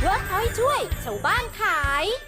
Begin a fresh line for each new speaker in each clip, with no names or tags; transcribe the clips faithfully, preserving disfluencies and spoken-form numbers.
เวิร์กพอยต์ช่วยชาวบ้านขาย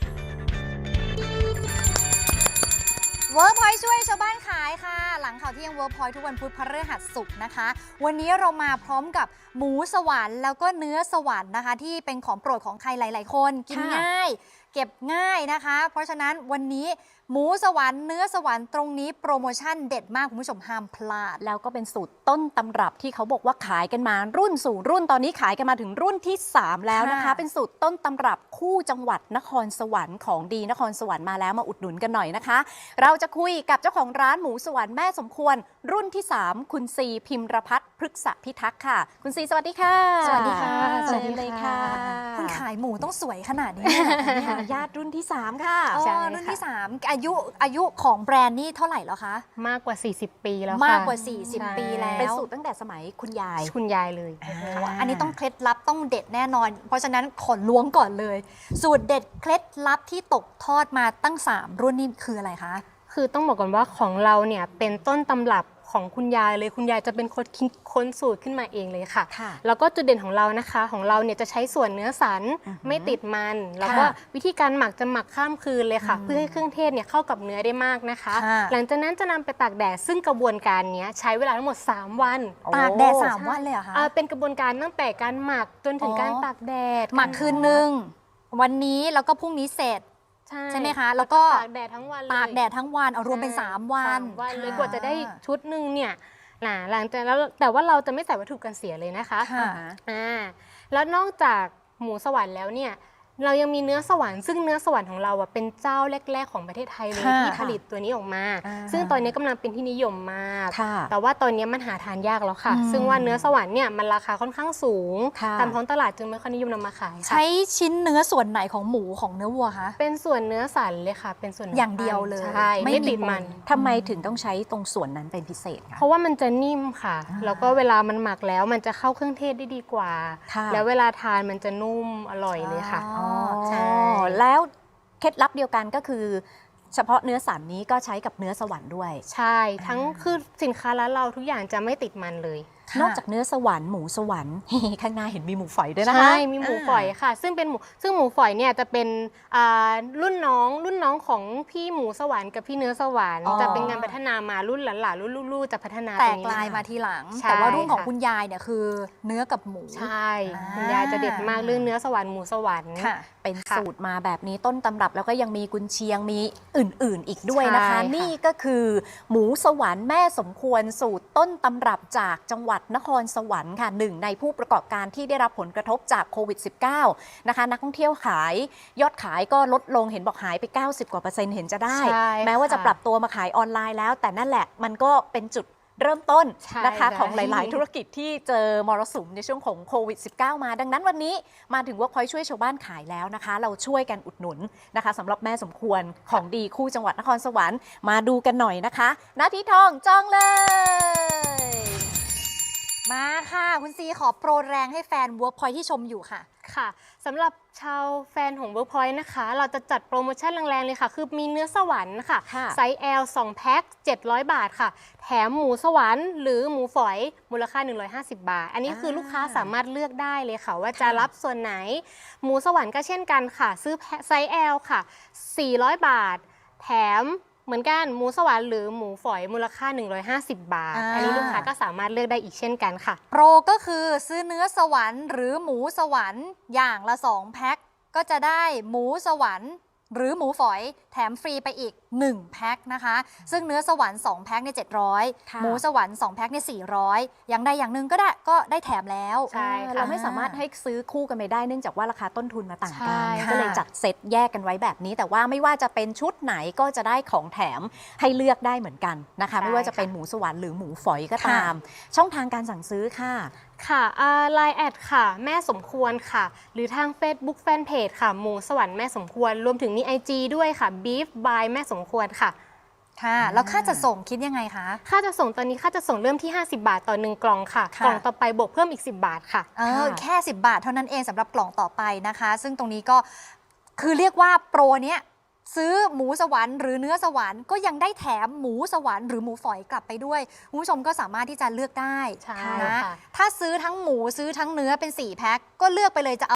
เวิร์กพอยต์ช่วยชาวบ้านขายค่ะหลังข่าวเที่ยงเวิร์กพอยต์ทุกวันพุธพฤหัสศุกร์นะคะวันนี้เรามาพร้อมกับหมูสวรรค์แล้วก็เนื้อสวรรค์นะคะที่เป็นของโปรดของใครหลายๆคนกินง่ายเก็บง่ายนะคะเพราะฉะนั้นวันนี้หมูสวรรค์เนื้อสวรรค์ตรงนี้โปรโมชั่นเด็ดมากคุณผู้ชมห้ามพลาด
แล้วก็เป็นสูตรต้นตำรับที่เขาบอกว่าขายกันมารุ่นสู่รุ่นตอนนี้ขายกันมาถึงรุ่นที่สามแล้วนะคะเป็นสูตรต้นตำรับคู่จังหวัดนครสวรรค์ของดีนครสวรรค์มาแล้วมาอุดหนุนกันหน่อยนะคะเราจะคุยกับเจ้าของร้านหมูสวรรค์แม่สมควรรุ่นที่สามคุณซีพิมรพัฒน์พฤกษพิทักษ์ค่ะคุณซีสวัสดีค่ะ
สวัสดีค่ะ
สวัสดีเลยค่ะ
คุณขายหมูต้องสวยขนาดนี้
ญาติรุ่นที่สามค่ะ
อ๋อรุ่นที่สามอายุอายุของแบรนด์นี่เท่าไหร่แล้วคะ
มากกว่าสี่สิบปีแล้วค่ะ
มากกว่าสี่สิบปีแล้ว
เป็นสูตรตั้งแต่สมัยคุณยาย
คุณยายเลย
อันนี้ต้องเคล็ดลับต้องเด็ดแน่นอนเพราะฉะนั้นขอล้วงก่อนเลยสูตรเด็ดเคล็ดลับที่ตกทอดมาตั้งสามรุ่นนี่คืออะไรคะ
คือต้องบอกก่อนว่าของเราเนี่ยเป็นต้นตำรับของคุณยายเลยคุณยายจะเป็นคนคิดค้นสูตรขึ้นมาเองเลยค่ะแล้วก็จุดเด่นของเรานะคะของเราเนี่ยจะใช้ส่วนเนื้อสันไม่ติดมันแล้วก็วิธีการหมักจะหมักข้ามคืนเลยค่ะเพื่อให้เครื่องเทศเนี่ยเข้ากับเนื้อได้มากนะคะหลังจากนั้นจะนำไปตากแดดซึ่งกระบวนการนี้ใช้เวลาทั้งหมดสามวัน
ตากแดดสามวันเลยเหรอคะ
เป็นกระบวนการตั้งแต่การหมักจนถึงการตากแดด
หมักคืนนึงวันนี้แล้วก็พรุ่งนี้เสร็จใช่ไหมคะแล้วก็
ตากแดดทั้งวันเลย
ตากแดดทั้งวันเอารวมเป็นสามวัน
วันเลยกว่าจะได้ชุดหนึ่งเนี่ยนะหลังจากแล้วแต่ว่าเราจะไม่ใส่วัตถุกันเสียเลยนะคะอ่าแล้วนอกจากหมูสวรรค์แล้วเนี่ยเรายังมีเนื้อสวรรค์ซึ่งเนื้อสวรรค์ของเราอ่ะเป็นเจ้าแรกๆของประเทศไทยเลยที่ผลิตตัวนี้ออกมาซึ่งตอนนี้กำลังเป็นที่นิยมมากแต่ว่าตอนนี้มันหาทานยากแล้วค่ะซึ่งว่าเนื้อสวรรค์เนี่ยมันราคาค่อนข้างสูงตามท้องตลาดจึงไม่ค่อยนิยมนำมาขาย
ใช้ชิ้นเนื้อส่วนไหนของหมูของเนื้อวัวคะ
เป็นส่วนเนื้อสันเลยค่ะเป็นส่วน
อย่างเดียวเลย
ใช่ไม่ติดมัน
ทำไมถึงต้องใช้ตรงส่วนนั้นเป็นพิเศษคะ
เพราะว่ามันจะนิ่มค่ะแล้วก็เวลามันหมักแล้วมันจะเข้าเครื่องเทศได้ดีกว่าแล้วเวลาทานมันจะนุ่มอร่อยเลยค่ะ
ใช่แล้วเคล็ดลับเดียวกันก็คือเฉพาะเนื้อสันนี้ก็ใช้กับเนื้อสวรรค์ด้วย
ใช่ทั้งคือสินค้าร้านเราทุกอย่างจะไม่ติดมันเลย
นอกจากเนื้อสวรรค์หมูสวรรค์ข้างหน้าเห็นมีหมูฝอยด้วยนะคะ
ใช่มีหมูฝอยค่ะซึ่งเป็นหมูซึ่งหมูฝอยเนี่ยจะเป็นรุ่นน้องรุ่นน้องของพี่หมูสวรรค์กับพี่เนื้อสวรรค์จะเป็นงานพัฒนามารุ่นหลานๆรุ่นลูกๆจะพัฒนา
แตกลายมาทีหลังแต่ว่ารุ่นของคุณยายเนี่ยคือเนื้อกับหมู
ใช่คุณยายจะเด็ดมากเรื่องเนื้อสวรรค์หมูสวรรค์
เป็นสูตรมาแบบนี้ต้นตำรับแล้วก็ยังมีกุนเชียงมีอื่นๆอีกด้วยนะคะนี่ก็คือหมูสวรรค์แม่สมควรสูตรต้นตำรับจากจังหวัดนครสวรรค์ค่ะหนึ่งในผู้ประกอบการที่ได้รับผลกระทบจากโควิด สิบเก้า นะคะนักท่องเที่ยวขายยอดขายก็ลดลงเห็นบอกหายไปเก้าสิบกว่าเปอร์เซ็นต์เห็นจะได้แม้ว่าจะปรับตัวมาขายออนไลน์แล้วแต่นั่นแหละมันก็เป็นจุดเริ่มต้นนะคะของหลายๆธุรกิจที่เจอมรสุมในช่วงของโควิด สิบเก้า มาดังนั้นวันนี้มาถึงว่าพอยช่วยชาวบ้านขายแล้วนะคะเราช่วยกันอุดหนุนนะคะสำหรับแม่สมควรของดีคู่จังหวัดนครสวรรค์มาดูกันหน่อยนะคะนาทีทองจองเลย
มาค่ะคุณซีขอโปรแรงให้แฟน Workpoint ที่ชมอยู่ค่ะ
ค่ะสำหรับชาวแฟนของ Workpoint นะคะเราจะจัดโปรโมชั่นแรงๆเลยค่ะคือมีเนื้อสวรรค์ค่ะไซส์ แอล สองแพ็คเจ็ดร้อยบาทค่ะแถมหมูสวรรค์หรือหมูฝอยมูลค่าหนึ่งร้อยห้าสิบบาทอันนี้คือลูกค้าสามารถเลือกได้เลยค่ะว่าจะรับส่วนไหนหมูสวรรค์ก็เช่นกันค่ะซื้อไซส์ แอล ค่ะสี่ร้อยบาทแถมเหมือนกันหมูสวรรค์หรือหมูฝอยมูลค่าหนึ่งร้อยห้าสิบบาท อ, อันนี้ลูกค้าก็สามารถเลือกได้อีกเช่นกันค่ะ
โปรก็คือซื้อเนื้อสวรรค์หรือหมูสวรรค์อย่างละสองแพ็คก็จะได้หมูสวรรค์หรือหมูฝอยแถมฟรีไปอีกหนึ่งแพ็คนะคะซึ่งเนื้อสวรรค์สองแพ็คเนี่ยเจ็ดร้อยหมูสวรรค์สองแพ็คเนี่ยสี่ร้อยอย่างใดอย่างหนึ่งก็ได้ก็ได้แถมแล้ว
ใช่เราไม่สามารถให้ซื้อคู่กันไปได้เนื่องจากว่าราคาต้นทุนมาต่างกันก็เลยจัดเซตแยกกันไว้แบบนี้แต่ว่าไม่ว่าจะเป็นชุดไหนก็จะได้ของแถมให้เลือกได้เหมือนกันนะคะไม่ว่าจะเป็นหมูสวรรค์หรือหมูฝอยก็ตามช่องทางการสั่งซื้อค่ะ
ค่ะไลน์แอดค่ะแม่สมควรค่ะหรือทาง Facebook Fanpage ค่ะหมูสวรรค์แม่สมควรรวมถึงมี ไอ จี ด้วยค่ะ Beef by แม่สมควรค่ะ
ค่ะแล้วค่าจะส่งคิดยังไงคะ
ค่าจะส่งตอนนี้ค่าจะส่งเริ่มที่ห้าสิบบาทต่อหนึ่งกล่องค่ะกล่องต่อไปบวกเพิ่มอีกสิบบาทค่ะ
เออแค่สิบบาทเท่านั้นเองสำหรับกล่องต่อไปนะคะซึ่งตรงนี้ก็คือเรียกว่าโปรเนี้ยซื้อหมูสวรรค์หรือเนื้อสวรรค์ก็ยังได้แถมหมูสวรรค์หรือหมูฝอยกลับไปด้วยคุณผู้ชมก็สามารถที่จะเลือกได้นะถ้าซื้อทั้งหมูซื้อทั้งเนื้อเป็นสี่แพ็คก็เลือกไปเลยจะ